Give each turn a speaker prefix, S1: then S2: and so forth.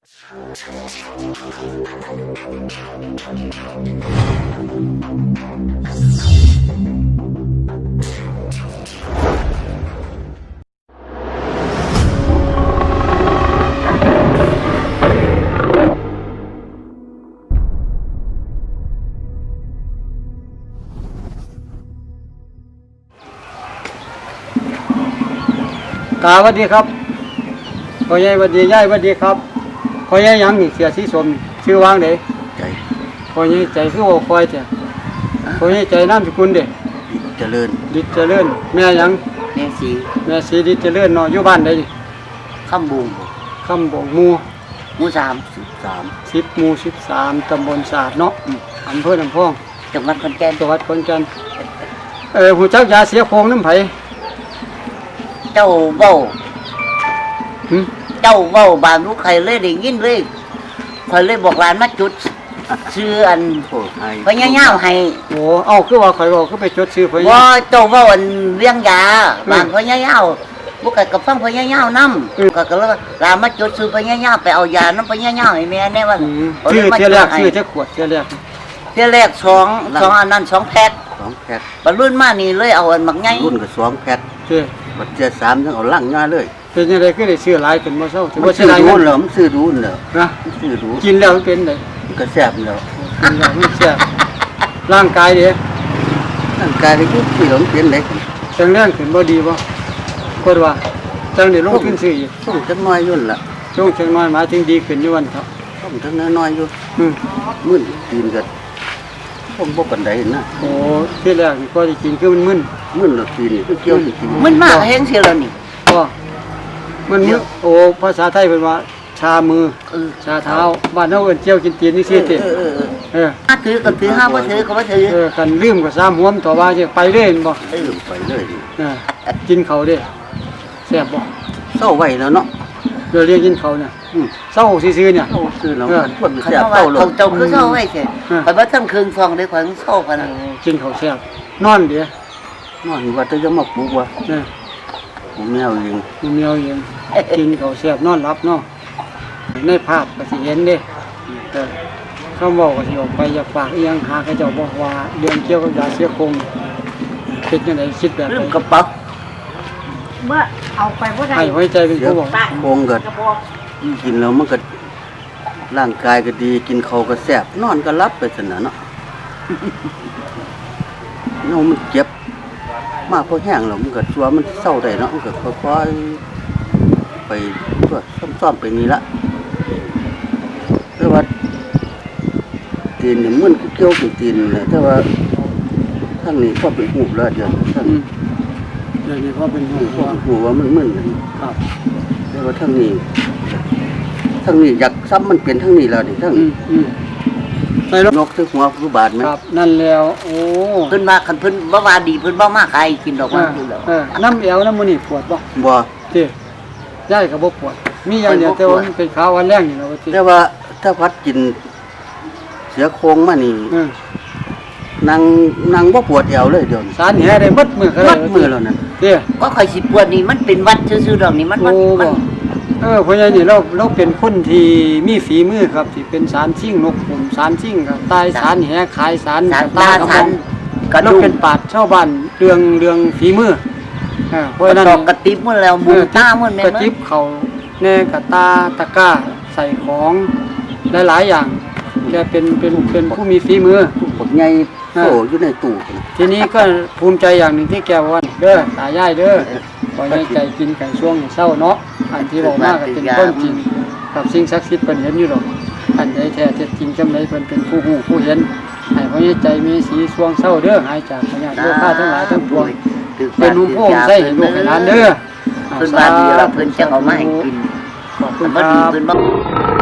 S1: ตาสวัสดีครับพ่อใหญ่สวัสดียายสวัสดีครับพ่อใหญ่ยังนี่เสียสีสมชื่อวางเด้
S2: ใจ
S1: พ่อใหญ่ใจคือว่าคอยจ้ะพ่อใหญ่ใจนามสกุลเด้
S2: ดิเจริญ
S1: ดิเจริญแม่ยัง
S2: แม่
S1: สีดิเจริญเนาะอยู่บ้านใดนี่
S2: ข้ามบุง
S1: คำบ่งหมู่
S2: 13
S1: 10หมู่13ตำบลศาสตร์เนาะอำเภอลำพอง
S2: จังหวัดขอนแก่น
S1: หูจักยาเสียโครงน้ำไผ
S2: เจ้าเว้าบางลูกใครเลยได้ยินเลยข่อยเลยบอกหลานมาจุดชื่ออันพญายาวให้
S1: โอ้เอ้าคือว่าข่อยบอกคือไปจดชื่อพญา
S2: ว่าเจ้าเว้าอันเลี้ยงยาบางพญายาวบ่ก็กับฟังพญายาวนำก็เลยหลานมาจดชื่อพญายาวไปเอายานำพญายาวให้แม่แน่ว่า
S1: ชื่อเที่ยแรกชื่อจักขวดเที่ยแรก
S2: 2อันนั้น2แพ็คบรรลุมานี่เลยเอาอันมักใหญ่
S3: รุ่นก็2แพ็คบัดเจอ3จังเอาลั่งย่าเลย
S1: เป็นจังได๋คือได้ซื้อหลายขึ้นบ่เซาถือว่า
S3: ซื้อหลายเงินเหรอมันซื้อดูนเด้อ
S1: นะ
S3: ซื้อดู
S1: กินแล้วมันเป็นได
S3: ก็แซ่บแล้ว
S1: กินแล้วมันแซ่บร่างกายเด้
S3: ร่างกายก็อยู่ที่หลงเป็นเด็ก
S1: จังแรงขึ้นบ่ดีบ่กดว่าจังได้ลงขึ้นซื้ออีก
S3: ส่งจักน้อยยุ่นล่ะ
S1: ส่งจักน้อยหมายถึงดีขึ้นอยู่วันเถาะ
S3: ส่งจักน้อยอยู่มึนกินก็ผมบ่ปานใดนะ
S1: โอ้ที่แรกนี่ก็สิกินคือมันมึน
S3: แล้วกินคือเกี่ยวสิกิน
S2: มึนมากแฮงเสียแล้วนี่
S1: ก็มันโอ้ภาษาไทยเพิ่นว่าชามือชาเท้าบ้านเฮาเอิ้นเจียวกินตีนนี่ซี่ติ
S2: ถ้าถือก็ถือห้าบ่ถือก็บ่ถือ
S1: กันลืมก็ซ้ำหวมต่อว่าสิไปเลยบ่
S3: ไปเลย
S1: กินข้าวเด้แซ่บบ่
S3: เซาไว้แล้วเนาะ
S1: เดี๋ยวเรียกกินข้าวเนี่ยเซาซื่อๆเนี่ย
S3: ซื่อแล้วมันแซ่บเซาเลย
S2: เจ้าคือเซาไว้แท้ข่อยบ่ทันคืนฟองได้ข่อยเซาพะนะ
S1: กินข้าวแซ่บนอนเด้
S3: นอนว่าจะยังมาปลูกว่าผมแมวเอง
S1: กินข้าวแซ่บนอนหลับเนาะในภาพก็สิเห็นเด้เขาบอกว่าสิออกไปอยากฝากอีหยังหาเขาเจ้าบอกว่าเรื่องเกี่ยวกับยาเสียโครงคิดจังได๋คิดแบบ
S2: ลืมกระเป๋า
S4: เมื่อเอาไปบ่ได้
S1: ให้ไว้ใจเป็นผู้บอก
S3: โครงก็กินแล้วมันก็ร่างกายก็ดีกินข้าวก็แซ่บนอนก็หลับไปซั่นน่ะเนาะเนาะมันเจ็บมากพอแห้งแล้วมันก็ชัวมันเศร้าได้เนาะมันก็ค่อยๆไปตัวซ่อมๆไปนี่ละแต่ว่าตีนนี่มันเกี่ยวกับตีนเลยแต่ว่าทั้งนี้พอเป็นหูแล้วเดี๋ยวทั้ง
S1: นี้พอเป็น
S3: หูว่ามันมึน
S1: ครับ
S3: แต่ว่าทั้งนี้อยากซ้ำมันเป็นทั้งนี้แล้วนี่ทั้ง
S1: ใส่รถ
S3: นกที่หัวผู้บาดมั้ย
S1: ครับนั่นแล้วโอ้
S2: เพิ่นว่าคันเพิ่นบ่ว่าดีเพิ่นบ่มาใครกินดอกมันอยู่แล้ว
S1: น้ำเอวน้ำมื้อนี้ปวดบ่ติยายก็บ่ปวดมีอย่างเดียวแต่ว่ามันเป็นขาวันแรงนี่เนาะว่าติ
S3: แต่ว่าถ้าพัดกินเสียโครงมานี่นั่งบ่ปวดเอวเลยเดี๋ยว
S1: สารแหได้หมดมื้อก็ได้
S3: หมดมื้อแล้วนั่น
S1: ติ
S2: ก็ค่อยสิปวดนี่มันเป็นวัดซื่อๆดอกนี่มัน
S1: พ่อใหญ่นี่เราเป็นคนที่มีฝีมือครับที่เป็นสารชิ่งนกผมสารชิ่งครับตายสารแหขายสาร
S2: ตาสาร
S1: เราเป็นปราชญ์ชาวบ้านเรื่องฝีมือเพราะฉะนั้น
S2: กระติบมื้อแล้วหมู่ตามื้อแม่
S1: กระติบเขาแน่กระตาตะกร้าใส่ของหลายๆอย่างแกเป็นผู้มีฝีมือ
S3: พวกใหญ่โตอยู่ในตู้
S1: ทีนี้ก็ภูมิใจอย่างนึงที่แกว่าเด้อตายายเด้อบ่ให้ใจกินไก่ช่วงเช้าเนาะอันที่บอกมาก็เป็นต้นจริงกับสิ่งศักดิ์สิทธิ์เพิ่นเห็นอยู่ดอกอันใดแท้เท็จจริงจำไดเพิ่นเป็นผู้ฮู้ผู้เห็นให้บ่ให้ใจมีสีช่วงเช้าเด้อหายจากพยาธิโรคทั้งหลายทั้งปวงเป็นผู้ผู้ใช้ให้ลูกให้หลานเด้อ
S2: เพิ่นว่าดีแล้วเพิ่นจังเอามาให้กิน
S1: ขอบคุณครับ